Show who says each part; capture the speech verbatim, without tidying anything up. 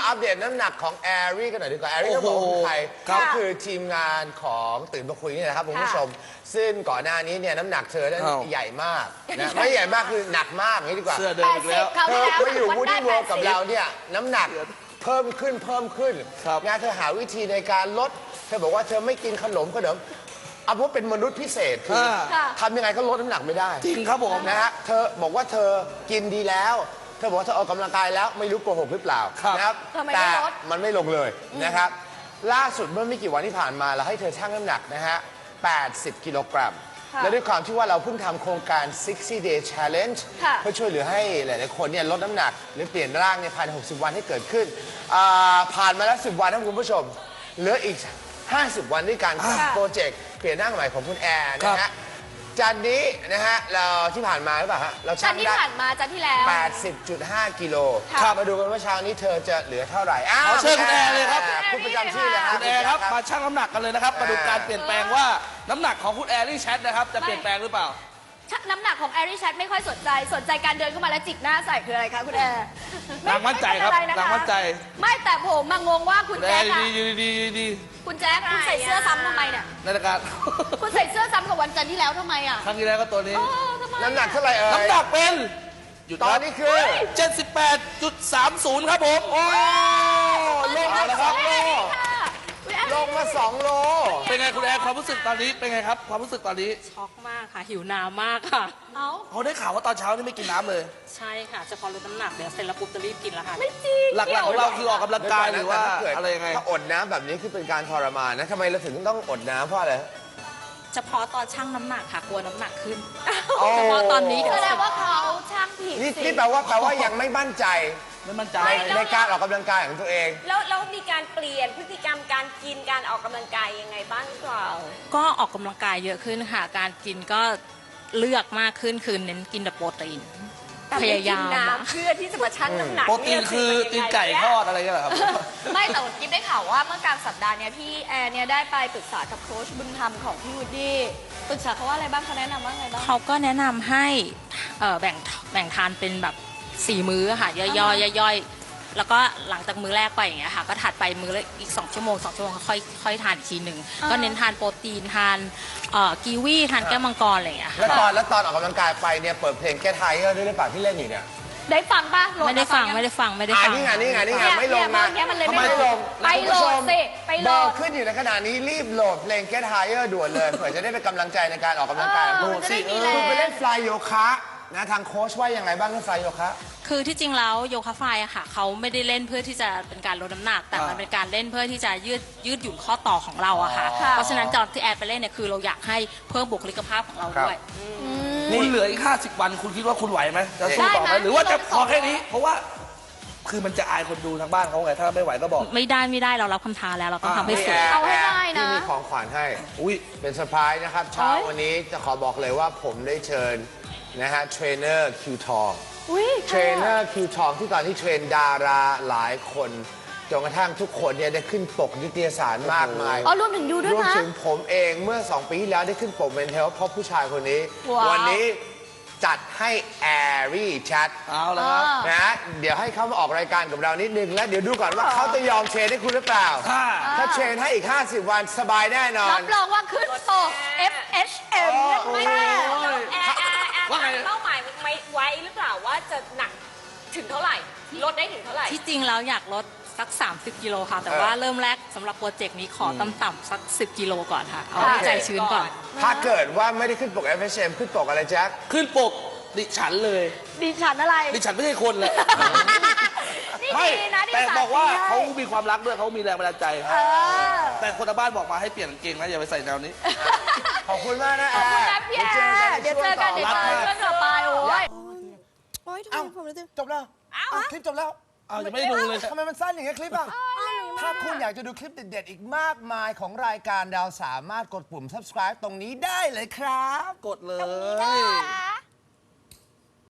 Speaker 1: อัปเดตน้ำหนักของแอรี่กันหน่อยดีกว่าแอรี่ก็บอกคือใครก็คือทีมงานของตื่นมาคุยนี่แหละครับคุณผู้ชมซึ่งก่อนหน้านี้เนี่ยน้ำหนักเธอนั้นใหญ่มากนะไม่ใหญ่มากคือหนักมากนี่ดีกว่า
Speaker 2: เสื้อเดิมอีกแล้ว
Speaker 1: เธอมาอยู่วูดดี้เวิลด์กับเราเนี่ยน้ำหนักเพิ่มขึ้นเพิ่มขึ้นงานเธอหาวิธีในการลดเธอบอกว่าเธอไม่กินขนมขนมเอาว่าเป็นมนุษย์พิเศษคือทำยังไงก็ลดน้ำหนักไม่ได้
Speaker 2: จริงครับผม
Speaker 1: นะฮะเธอบอกว่าเธอกินดีแล้วเธอบอกว่าเธอออกกำลังกายแล้วไม่รู้โกหกหรือเปล่านะครับแต่มันไม่ลงเลยนะครับล่าสุดเมื่อไม่กี่วันที่ผ่านมาเราให้เธอชั่งน้ำหนักนะฮะแปดสิบกิโลกรัมและด้วยความที่ว่าเราเพิ่งทำโครงการหกสิบ day challenge เพื่อช่วยเหลือให้หลายๆคนเนี่ยลดน้ำหนักหรือเปลี่ยนร่างในภายในหกสิบวันให้เกิดขึ้นผ่านมาแล้วสิบวันนะคุณผู้ชมเหลืออีกห้าสิบวันด้วยการโปรเจกต์เปลี่ยนร่างใหม่ของคุณแอร์นะฮะจันนี้นะฮะเราที่ผ่านมาหรือเปล่าฮะเรา
Speaker 3: ชั่งได้จันที่ผ่านมาจันที่แล้ว
Speaker 1: แปดสิบจุดห้า กิโลมาดูกันว่าเช้านี้เธอจะเหลือเท่าไหร่อ้าว
Speaker 2: เชิญคุณแอร์เลยครับ
Speaker 1: คุณประจำที่เลยครับ
Speaker 2: คุณแอร์ครับมาชั่งน้ำหนักกันเลยนะครับมาดูการเปลี่ยนแปลงว่าน้ำหนักของคุณแอร์รี่แชทนะครับจะเปลี่ยนแปลงหรือเปล่า
Speaker 3: น้ำหนักของแอรี่แชทไม่ค่อยสนใจสนใจการเดินเข้ามาแล้วจิกหน้าใส่คืออะไรคะคุณแอร์
Speaker 2: นางมั่นใจครับนางมั่นใจ
Speaker 3: ไม่แต่ผมมางงว่าคุณแจ๊ค
Speaker 2: ดีดีดีดี
Speaker 3: คุณแจ๊คคุณใส่เสื้อซ้ำทำไมเนี่ย
Speaker 2: ในรายการ
Speaker 3: คุณใส่เสื้อซ้ำกับวันจันทร์ที่แล้วทำไมอ่ะ
Speaker 2: ครั้งที่แล้วก็ตัวนี้
Speaker 1: น้ำหนักเท่าไหร่เอ่ย
Speaker 2: น้ำหนักเป็น
Speaker 1: ตอนนี้คือ
Speaker 2: เจ็ดสิบแปดจุดสามศูนย์ ครับผมโอ้
Speaker 1: ลงมาแล้วครับลงมาสองโล
Speaker 2: เป็นไงคุณแอร์ความรู้สึกตอนนี้เป็นไงครับความรู้สึกตอนนี้
Speaker 4: ช็อกมากค่ะหิวน้ำมากค่ะ
Speaker 3: เอา
Speaker 2: เขาได้ข่าวว่าตอนเช้านี่ไม่กินน้ำเลย
Speaker 4: ใช่ค่ะจะพอลดน้ำหนักเดี๋ยวเสร็จแล้วปุ๊บจะรีบกินแล้วค่ะ
Speaker 3: ไม่จริง
Speaker 2: หลักๆของเราคือออกกำลังกายหรือว่าอะไรยังไง
Speaker 1: ถ้าอดน้ำแบบนี้คือเป็นการทรมานนะทำไมเราถึงต้องอดน้ำเพราะอะไร
Speaker 4: เฉพาะตอนชั่งน้ำหนักค่ะกลัวน้ำหนักขึ้นเฉพาะตอนนี้
Speaker 3: แสดงว่าเขาชั่งผิด
Speaker 1: นี่แปลว่าแปลว่ายังไม่มั่นใจ
Speaker 2: ไม่มั่นใจ
Speaker 1: ในการออกกำลังกายของตัวเอง
Speaker 5: แล้วแล้วมีการเปลี่ยนพฤติกรรมการกินการออกกำลังกายยังไงบ้างหรือเปล่า
Speaker 4: ก็ออกกำลังกายเยอะขึ้นค่ะการกินก็เลือกมากขึ้นคือเน้นกินแต่โปรตีนพยายาม
Speaker 5: เพื่อที่จะมาชั่งน้ำหนัก
Speaker 2: โปรตีนคือตีนไก่ทอดอะไรกันเหรอครับ
Speaker 3: ไม่แต่กิ๊บได้ข่าวว่าเมื่อกลางสัปดาห์นี้พี่แอร์เนี่ยได้ไปปรึกษากับโค้ชบุญธรรมของพี่วูดดี้ปรึกษาเขาว่าอะไรบ้างเขาแนะนำว่าไงบ้าง
Speaker 4: เขาก็แนะนำให้แบ่งแบ่งทานเป็นแบบสี่มื้อค่ะย่อยๆย่อยๆแล้วก็หลังจากมื้อแรกไปอย่างเงี้ยค่ะก็ถัดไปมื้อละอีกสองชั่วโมงสองชั่วโมงค่อยค่อยทานอีกทีหนึ่งก็เน้นทานโปรตีนทานกีวีทานแก้วมังกรอะไรอย่างเงี้ย
Speaker 1: แล้วตอนแล้วตอนออกกำลังกายไปเนี่ยเปิดเพลงแก้ไทยด้วยหรือเปล่าที่เล่นอยู่เนี่ย
Speaker 3: ได้ฟังป่ะ
Speaker 4: ไม่ได้ฟังไม่ได้ฟังไม่ได้ฟัง
Speaker 1: นี่ไงนี่ไงนี่ไงไม่ลง
Speaker 3: นะ
Speaker 1: ทำไมไม่ลง
Speaker 3: ไปโหลดสิไปโหลด
Speaker 1: ขึ้นอยู่ในขณะนี้รีบโหลดเพลง Get Higher ด่วนเลยเผื่อจะได้เป็นกำลังใจในการออกกำลังกาย
Speaker 3: โหลดสิ
Speaker 1: คุณไปเล่นฟลายโยคะนะทางโค้ชว่ายังไงบ้างเรื่องฟลายโยคะ
Speaker 4: คือที่จริงแล้วโยคะฟลายอะค่ะเขาไม่ได้เล่นเพื่อที่จะเป็นการลดน้ำหนักแต่มันเป็นการเล่นเพื่อที่จะยืดยืดหยุ่นข้อต่อของเราอะค่ะเพราะฉะนั้นตอนที่แอดไปเล่นเนี่ยคือเราอยากให้เพิ่มบุคลิกภาพของเราด้วย
Speaker 2: คุณเหลืออีกห้าสิบวันคุณคิดว่าคุณไหวไหมจะสู้ต่อไหมหรือว่าจะพอแค่นี้เพราะว่าคือมันจะอายคนดูทางบ้านเขาไงถ้าไม่ไหวก็บอก
Speaker 4: ไม่ได้ไม่ได้เรารับคำท้าแล้วเราต้องทำให้สุด
Speaker 3: เอาให้ได้นะ
Speaker 1: ที่มีของขวัญให้อุ้ยเป็นเซอร์ไพรส์นะครับเช้าวันนี้จะขอบอกเลยว่าผมได้เชิญนะฮะเทรนเนอร์คิวทองเทรนเนอร์คิวทองที่ตอนที่เทรนดาราหลายคนจนกระทั่งทุกคนเนี่ยได้ขึ้นปกนิตยสารมากมาย
Speaker 3: อ๋อรวมถึงยูด้วยนะ
Speaker 1: รวมถึงผมเองเมื่อสองปีที่แล้วได้ขึ้นปกเป็นเทลเพราะผู้ชายคนนี้วันนี้จัดให้แอรี่แชท
Speaker 2: เอาแล้วครับ
Speaker 1: นะเดี๋ยวให้เขามาออกรายการกับเรานิดนึงแล้วเดี๋ยวดูก่อนว่าเขาจะยอมเทรนให้คุณหรือเปล่าถ้าเทรนให้อีกห้าสิบวันสบายแน่นอน
Speaker 3: รับรองว่าขึ้นปก เอฟ เอช เอ็ม
Speaker 5: ไม่แน่แอร์แอร์แอร์เป้าหมายไม่ไว้หรือเปล่าว่าจะหนักถึงเท่าไหร่ลดได้ถึงเท่าไหร่
Speaker 4: ที่จริงแล้วอยากลดสักสามสิบกิโลค่ะแต่ว่าเริ่มแรกสำหรับโปรเจกต์นี้ขอต่ำๆสักสิบกิโลก่อนค่ะเอาใจชื้นก่อน
Speaker 1: ถ้าเกิดว่าไม่ได้ขึ้นปก เอฟ เอช เอ็ม ขึ้นปกอะไรแจ็ค
Speaker 2: ขึ้นปกดิฉันเลย
Speaker 3: ดิฉันอะไร
Speaker 2: ดิฉันไม่ใช่คนเลย
Speaker 3: ไม่
Speaker 2: แต่บอกว่าเขามีความรักด้วยเขามีแรงบันดาลใจแต่คนทางบ้านบอกมาให้เปลี่ยนกางเกงนะอย่าไปใส่แนวนี้
Speaker 1: ขอบคุณมากนะ
Speaker 3: ขอบคุณนะพี่แอร์เดี๋ยวเจอกันเดี๋ยวเจอกันต่อไปโอ้ย
Speaker 6: โอ๊ยทำไมผมรู้สึก
Speaker 1: จบแล้วคลิปจบแล้ว
Speaker 2: อ้าวยังไม่ได้ดูเลย
Speaker 1: ทำไมมันสั้นอย่างเงี้ยคลิปอ่ะถ้าคุณอยากจะดูคลิปเด็ดๆอีกมากมายของรายการเราสามารถกดปุ่ม subscribe ตรงนี้ได้เลยครับ
Speaker 2: กดเลย